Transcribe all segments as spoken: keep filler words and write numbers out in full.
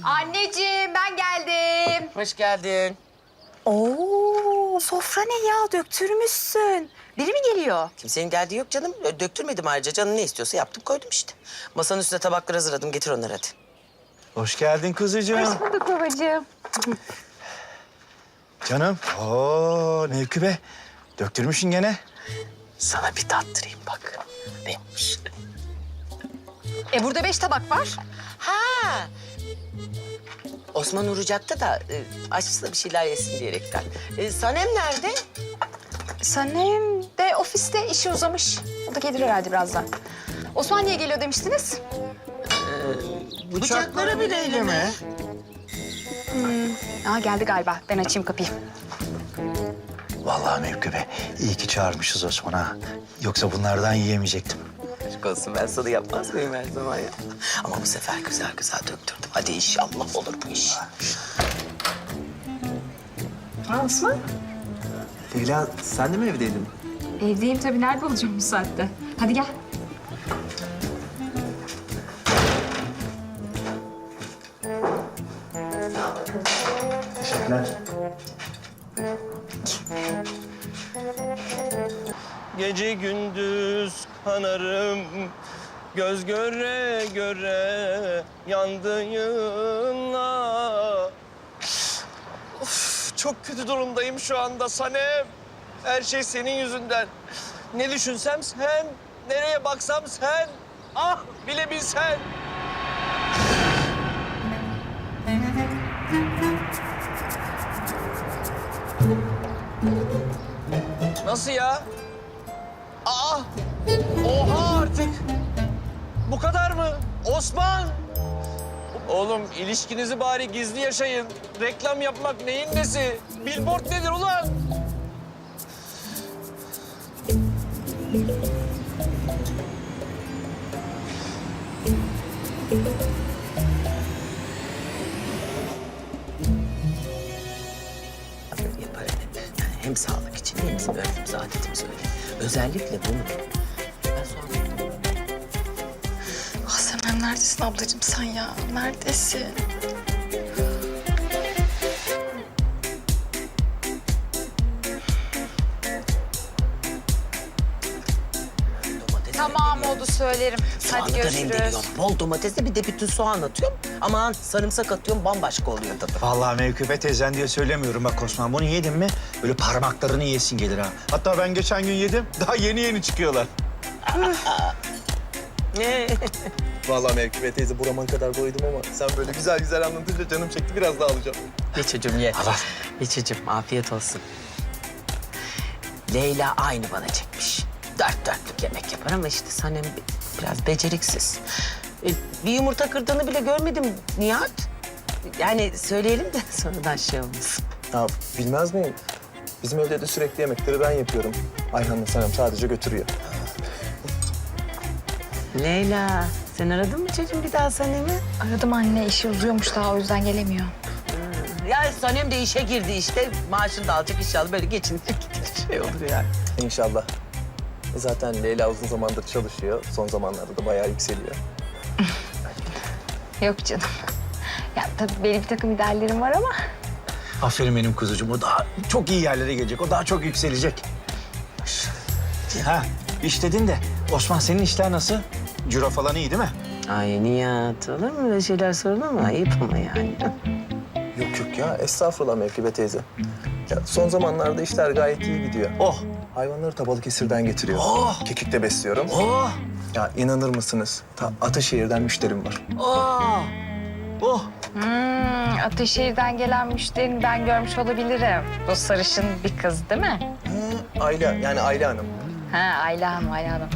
Anneciğim ben geldim. Hoş geldin. Oo, sofra ne ya? Döktürmüşsün. Biri mi geliyor? Kimsenin geldiği yok canım. Döktürmedim ayrıca. Canın ne istiyorsa yaptım koydum işte. Masanın üstüne tabakları hazırladım. Getir onları hadi. Hoş geldin kuzucuğum. Hoş bulduk babacığım. Canım. Oo Mevki be. Döktürmüşsün gene. Sana bir tattırayım bak. Neymiş? E burada beş tabak var. Ha. Osman uğrayacaktı da e, açsa da bir şeyler yesin diyerekten. E, Sanem nerede? Sanem de ofiste işi uzamış. O da gelir herhalde birazdan. Osman niye geliyor demiştiniz? Bıçakları bile eyleme. Aa geldi galiba. Ben açayım kapıyı. Vallahi Mevki be. İyi ki çağırmışız Osman'a. Yoksa bunlardan yiyemeyecektim. Aşk olsun ben sana yapmaz mıyım her zaman ya? Ama bu sefer güzel güzel döktürdüm. Hadi inşallah olur bu iş. Ha Osman? Leyla sen de mi evdeydin? Evdeyim tabii. Nerede olacağım bu saatte? Hadi gel. Teşekkürler. Gece gündüz kanarım, göz göre göre yandığınla. Of, çok kötü durumdayım şu anda Sanem. Her şey senin yüzünden. Ne düşünsem sen, nereye baksam sen. Ah bilebilsen. Nasıl ya? Aa! Oha artık! Bu kadar mı? Osman! Oğlum ilişkinizi bari gizli yaşayın. Reklam yapmak neyin nesi? Billboard nedir ulan? Yapar hep. Yani hem sağlık için hem bizim örfümüz, adetimiz öyle. Özellikle bunu. Ben sonra... Ah Senem neredesin ablacığım sen ya? Neredesin? Domates Tamam oldu söylerim. Soğanı Hadi da görüşürüz. rendeliyorum. Bol domatesle bir de bütün soğan atıyorum. Aman sarımsak atıyorum bambaşka oluyor tadı. Vallahi Mevki be teyzen diye söylemiyorum bak Osman. Bunu yedin mi böyle parmaklarını yesin gelir ha. Hatta ben geçen gün yedim. Daha yeni yeni çıkıyorlar. Ne? Vallahi Mevki teyze buraman kadar doydum ama sen böyle güzel güzel anlatınca canım çekti biraz daha alacağım. Ye çocuğum ye. Ye çocuğum afiyet olsun. Leyla aynı bana çekmiş. Dört dörtlük yemek yapar ama işte Sanem bi- biraz beceriksiz. E, bir yumurta kırdığını bile görmedim Nihat. Yani söyleyelim de sonradan şey olmasın. Ya bilmez miyim? Bizim evde de sürekli yemekleri ben yapıyorum. Ayhan'la Sanem sadece götürüyor. Leyla sen aradın mı çocuğum bir daha Sanem'i? Aradım anne işi uzuyormuş daha o yüzden gelemiyor. Ya Sanem de işe girdi işte. Maaşını da alacak inşallah böyle geçinecek gider şey olur yani. İnşallah. Zaten Leyla uzun zamandır çalışıyor. Son zamanlarda da bayağı yükseliyor. Yok canım. Ya tabii benim bir takım ideallerim var ama. Aferin benim kuzucuğum. O daha çok iyi yerlere gelecek. O daha çok yükselecek. Ha iş dedin de Osman senin işler nasıl? Ciro falan iyi değil mi? Ay Nihat olur mu öyle şeyler sorulur mu? Ayıp ama yani. Yok yok ya estağfurullah Mevkibe teyze. Ya son zamanlarda işler gayet iyi gidiyor. Oh. Hayvanları ta Balıkesir'den getiriyor. Oh. Kekik'te besliyorum. Oh. Ya inanır mısınız? Ta Ataşehir'den müşterim var. Oh. Oh. Hmm, Ateşehir'den gelen müşterini ben görmüş olabilirim. Bu sarışın bir kız değil mi? Hı, Ayla yani Ayla Hanım. Ha Ayla Hanım, Ayla Hanım.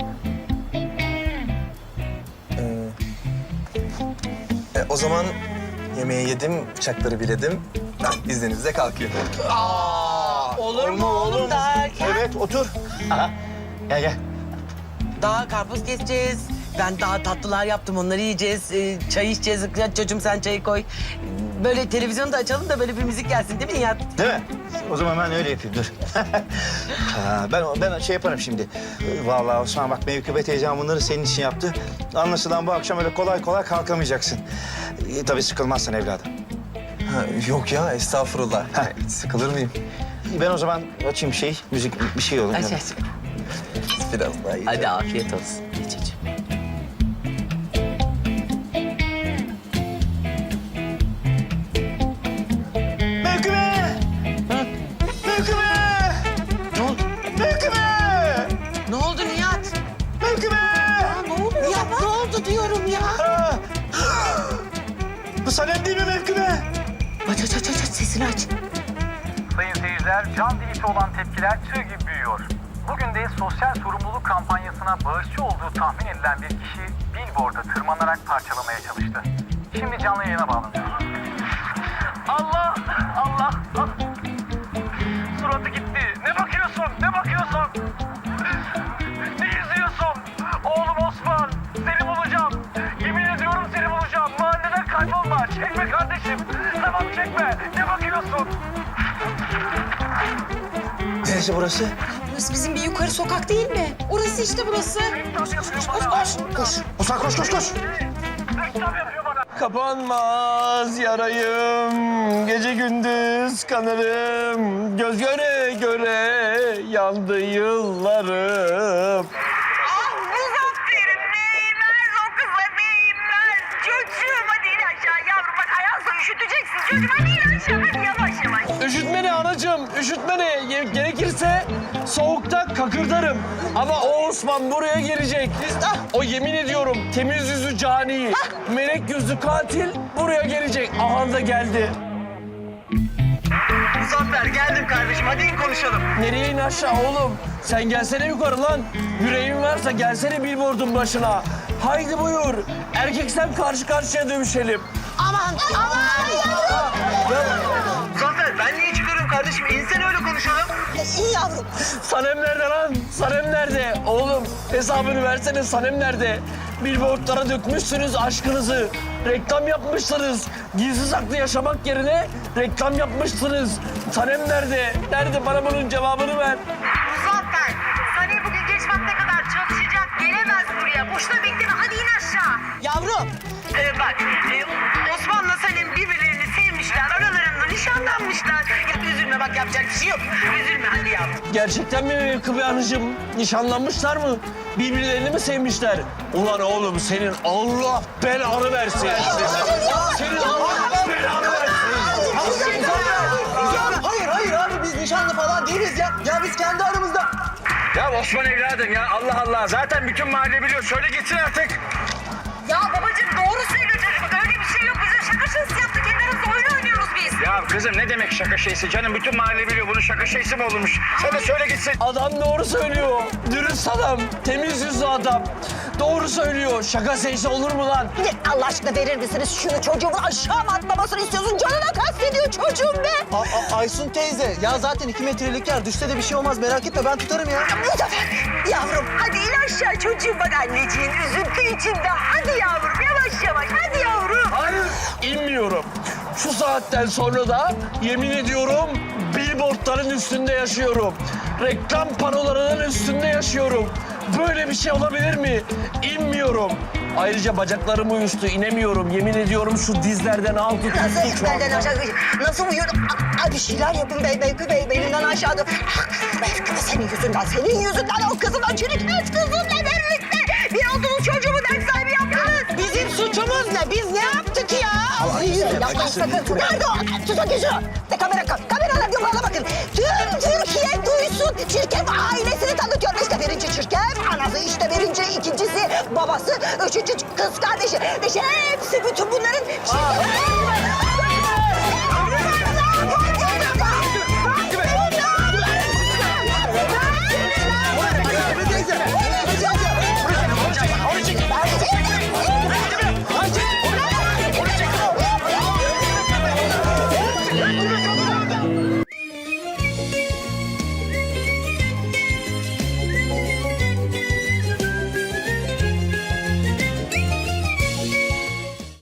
Ee, e, o zaman yemeği yedim, bıçakları biledim. Ben izninizle kalkıyorum. Olur mu oğlum daha erken? Evet otur. Aha. Gel gel. Daha karpuz keseceğiz. Ben daha tatlılar yaptım onları yiyeceğiz. Ee, çay içeceğiz. Ya çocuğum sen çayı koy. böyle televizyonu da açalım da böyle bir müzik gelsin değil mi Nihat? Değil mi? O zaman ben öyle yapayım, dur. Ha, ben ben şey yaparım şimdi. Vallahi Osman bak Mevkibe teyzem bunları senin için yaptı. Anlaşılan bu akşam öyle kolay kolay kalkamayacaksın. E, tabii sıkılmazsan evladım. Ha, yok ya estağfurullah. Hiç sıkılır mıyım? Ben o zaman açayım şey, müzik bir şey olur. Aç aç. Biraz daha iyi. Hadi afiyet olsun. Geç geç. Mevkibe! Mevkibe! Ne oldu? Mevkibe! Ne oldu Nihat? Mevkibe! Ne oldu Nihat? Ne oldu diyorum ya? Ha! Bu Sanem değil mi Mevkibe? Aç aç aç aç aç, sesini aç. Sayın seyirciler, can dilisi olan tepkiler tığ gibi büyüyor. Bugün de sosyal sorumluluk kampanyasına bağışçı olduğu tahmin edilen bir kişi billboard'a tırmanarak parçalamaya çalıştı. Şimdi canlı yayına bağlanıyoruz. Allah! Allah! Allah! Suratı gitti. Ne bakıyorsun? Ne bakıyorsun? Ne izliyorsun? Oğlum Osman, seni bulacağım. Yemin ediyorum seni bulacağım. Mahalleden kaybolma. Çekme kardeşim. Tamam çekme. Ne bakıyorsun? Neresi burası? Burası bizim bir yukarı sokak değil mi? Orası işte burası. Koş koş koş koş koş. Koş. Osman koş koş koş. Reklam yapıyor bana. Kapanmaz yarayım, gece gündüz kanarım. Göz göre göre yandı yıllarım. Ah Muzaffer'im neyler o kıza neyler. Çocuğum hadi in aşağı yavrum bak ayağınsa üşüteceksin. Çocuğum hadi in aşağı hadi yavaş yavaş. Üşütme ne anacığım, üşütme ne? Ge- Gerekirse soğukta kakırdarım. Ama o Osman buraya gelecek. O yemin ediyorum temiz yüzlü cani, melek yüzlü katil buraya gelecek. Aha da geldi. Muzaffer geldim kardeşim hadi in konuşalım. Nereye in aşağı oğlum? Sen gelsene yukarı lan. Yüreğin varsa gelsene billboardun başına. Haydi buyur. Erkeksem karşı karşıya dövüşelim. Aman aman. Muzaffer ben niye çıkıyorum kardeşim insen öyle konuşalım. İyi yavrum. Sanem nerede lan? Sanem nerede? Oğlum hesabını versene Sanem nerede? Billboardlara dökmüşsünüz aşkınızı. Reklam yapmışsınız. Gizli saklı yaşamak yerine reklam yapmışsınız. Sanem nerede? Nerede? Bana bunun cevabını ver. Muzaffer Sani bugün geç vakte kadar çalışacak gelemez buraya. Boşuna bekleme hadi in aşağı. Yavrum. Ee, bak e, Osman'la Sanem birbirlerini sevmişler. Aralarında nişanlanmışlar. Ya üzülme bak yapacak bir şey yok. Üzülme hadi yavrum. Gerçekten mi Mevkibe Hanıcığım? Nişanlanmışlar mı? Birbirlerini mi sevmişler? Ulan oğlum senin Allah belanı versin. Senin Allah belanı versin. Hayır hayır abi biz nişanlı falan değiliz ya. Ya biz kendi aramızda. Ya Osman evladım ya Allah Allah. Zaten bütün mahalle biliyor. Söyle gitsin artık. Ya babacığım doğru söylüyor çocuk. Öyle bir şey yok. Bize şaka şakası yaptık. Kendi aramızda oyun oynuyoruz biz. Ya kızım ne demek şaka şeysi canım? Bütün mahalle biliyor. Bunun şaka şeysi mi olurmuş? Sen de söyle gitsin. Adam doğru söylüyor. Dürüst adam, temiz yüzlü adam. Doğru söylüyor. Şaka seyisi olur mu lan? Allah aşkına verir misiniz şunu çocuğumun aşağı mı atlamasını istiyorsun? Canına kastediyor çocuğum be. A- A- Aysun teyze ya zaten iki metrelik yer. Düşse de bir şey olmaz merak etme ben tutarım ya. Muzaffer yavrum hadi in aşağı çocuğum bak anneciğin üzüntü içinde. Hadi yavrum yavaş yavaş hadi yavrum. Hayır, inmiyorum. Şu saatten sonra da yemin ediyorum billboardların üstünde yaşıyorum. Reklam panolarının üstünde yaşıyorum. Böyle bir şey olabilir mi? İnmiyorum. Ayrıca bacaklarım uyuştu, inemiyorum. Yemin ediyorum şu dizlerden al tut Nasıl tuttu şu benden anda. aşağı nasıl uyuyorum? Aa, Ay bir şeyler yapın bey Beykü Bey benimden aşağıda. Beykü senin yüzünden senin yüzünden o kızın o çürükmez kızınla birlikte. Bir olduğunuz çocuğumu dert sahibi yaptınız. Bizim suçumuz ne? Biz ne yaptık ya? Yapma sakın. Nerede o? Tut o gözü. De kamera kameralar yukarıda bakın. Tüm Türkiye duysun. Çirkef ailesini tanıtıyorum. İşte birinci Çirkef, anası işte birinci, ikincisi babası, üçüncü kız kardeşi. İşte hepsi bütün bunların Çirkef.